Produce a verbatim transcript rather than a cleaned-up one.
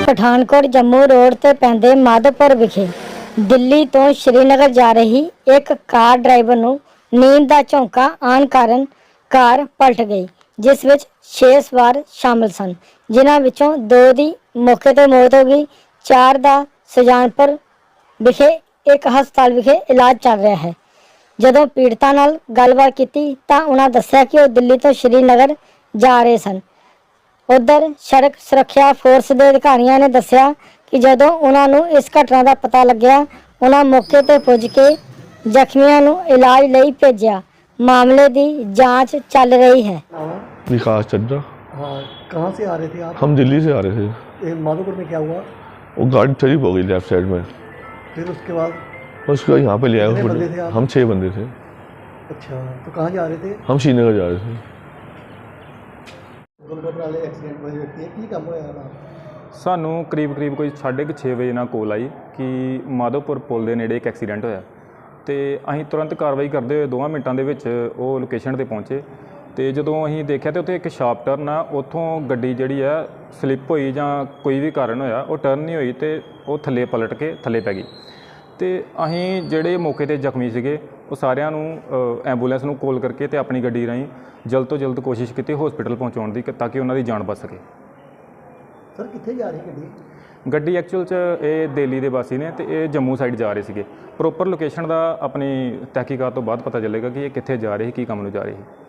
Pathankot Jammu road ਤੇ ਪੈਂਦੇ ਮਾਧੋਪੁਰ ਵਿਖੇ ਦਿੱਲੀ ਤੋਂ ਸ਼੍ਰੀਨਗਰ ਜਾ ਰਹੀ ਇੱਕ ਕਾਰ ਡਰਾਈਵਰ ਨੂੰ ਨੀਂਦ ਦਾ ਝੋਂਕਾ ਆਉਣ ਕਾਰਨ ਕਾਰ ਪਲਟ ਗਈ, ਜਿਸ ਵਿੱਚ ਛੇ ਸਵਾਰ ਸ਼ਾਮਲ ਸਨ, ਜਿਨ੍ਹਾਂ ਵਿੱਚੋਂ ਦੋ ਦੀ ਮੌਕੇ ਤੇ ਮੌਤ ਹੋ ਗਈ। ਚਾਰ ਦਾ ਸੁਜਾਨਪੁਰ ਵਿਖੇ ਇੱਕ ਹਸਪਤਾਲ ਵਿਖੇ ਇਲਾਜ ਚੱਲ ਰਿਹਾ ਹੈ। ਜਦੋਂ ਪੀੜਤਾਂ ਨਾਲ ਗੱਲਬਾਤ ਕੀਤੀ ਤਾਂ ਉਹਨਾਂ ਦੱਸਿਆ ਕਿ ਉਹ ਦਿੱਲੀ ਤੋਂ ਸ਼੍ਰੀਨਗਰ ਜਾ ਰਹੇ ਸਨ। उधर सड़क सुरक्षा फोर्स के अधिकारियों ने दस्सिया कि जदों उन्होंने इस घटना का पता लग्या, उन्होंने मौके पर पुज के जख्मियों को इलाज लई भेजा। मामले की जांच चल रही है। विकास चड्डा। हाँ, कहाँ से आ रहे थे आप? हम दिल्ली से आ रहे थे। माधोपुर में क्या हुआ? वो गाड़ी स्लिप हो गई लेफ्ट साइड में, फिर उसके बाद उसको यहाँ पे ले आए। कितने बंदे थे आप? हम छः बंदे थे। अच्छा, तो कहाँ जा रहे थे? हम श्रीनगर जा रहे थे। ਦੁਰਘਟਨਾ ਵਾਲੇ ਐਕਸੀਡੈਂਟ ਹੋਏ ਵਿਅਕਤੀ ਹੈ, ਕੀ ਕੰਮ ਹੋਇਆ ਨਾ? ਸਾਨੂੰ ਕਰੀਬ ਕਰੀਬ ਕੋਈ ਸਾਢੇ ਕੁ ਛੇ ਵਜੇ ਨਾਲ ਕੋਲ ਆਈ ਕਿ ਮਾਧੋਪੁਰ ਪੁਲ ਦੇ ਨੇੜੇ ਇੱਕ ਐਕਸੀਡੈਂਟ ਹੋਇਆ ਤੇ ਅਸੀਂ ਤੁਰੰਤ ਕਾਰਵਾਈ ਕਰਦੇ ਹੋਏ ਦੋਵਾਂ ਮਿੰਟਾਂ ਦੇ ਵਿੱਚ ਉਹ ਲੋਕੇਸ਼ਨ ਤੇ ਪਹੁੰਚੇ ਤੇ ਜਦੋਂ ਅਸੀਂ ਦੇਖਿਆ ਤੇ ਉੱਥੇ ਇੱਕ ਸ਼ਾਰਪ ਟਰਨ ਆ, ਉੱਥੋਂ ਗੱਡੀ ਜਿਹੜੀ ਆ ਸਲਿੱਪ ਹੋਈ ਜਾਂ ਕੋਈ ਵੀ ਕਾਰਨ ਹੋਇਆ, ਉਹ ਟਰਨ ਨਹੀਂ ਹੋਈ ਤੇ ਉਹ ਥੱਲੇ ਪਲਟ ਕੇ ਥੱਲੇ ਪੈ ਗਈ ਤੇ ਅਸੀਂ ਜਿਹੜੇ ਮੌਕੇ ਤੇ ਜ਼ਖਮੀ ਸੀਗੇ ਉਹ ਸਾਰਿਆਂ ਨੂੰ ਐਂਬੂਲੈਂਸ ਨੂੰ ਕਾਲ ਕਰਕੇ ਤੇ ਆਪਣੀ ਗੱਡੀ ਰਾਹੀਂ ਜਲਦ ਤੋਂ ਜਲਦ ਕੋਸ਼ਿਸ਼ ਕੀਤੀ ਹਸਪੀਟਲ ਪਹੁੰਚਾਉਣ ਦੀ ਤਾਂ ਕਿ ਉਹਨਾਂ ਦੀ ਜਾਨ ਬਚ ਸਕੇ। ਸਰ ਕਿੱਥੇ ਜਾ ਰਹੀ ਗੱਡੀ? ਗੱਡੀ ਐਕਚੁਅਲ 'ਚ ਇਹ ਦਿੱਲੀ ਦੇ ਵਾਸੀ ਨੇ ਤੇ ਇਹ ਜੰਮੂ ਸਾਈਡ ਜਾ ਰਹੇ ਸੀਗੇ। ਪ੍ਰੋਪਰ ਲੋਕੇਸ਼ਨ ਦਾ ਆਪਣੀ ਤਹਿਕੀਕਾਤ ਤੋਂ ਬਾਅਦ ਪਤਾ ਚੱਲੇਗਾ ਕਿ ਇਹ ਕਿੱਥੇ ਜਾ ਰਹੀ, ਕੀ ਕੰਮ ਨੂੰ ਜਾ ਰਹੀ।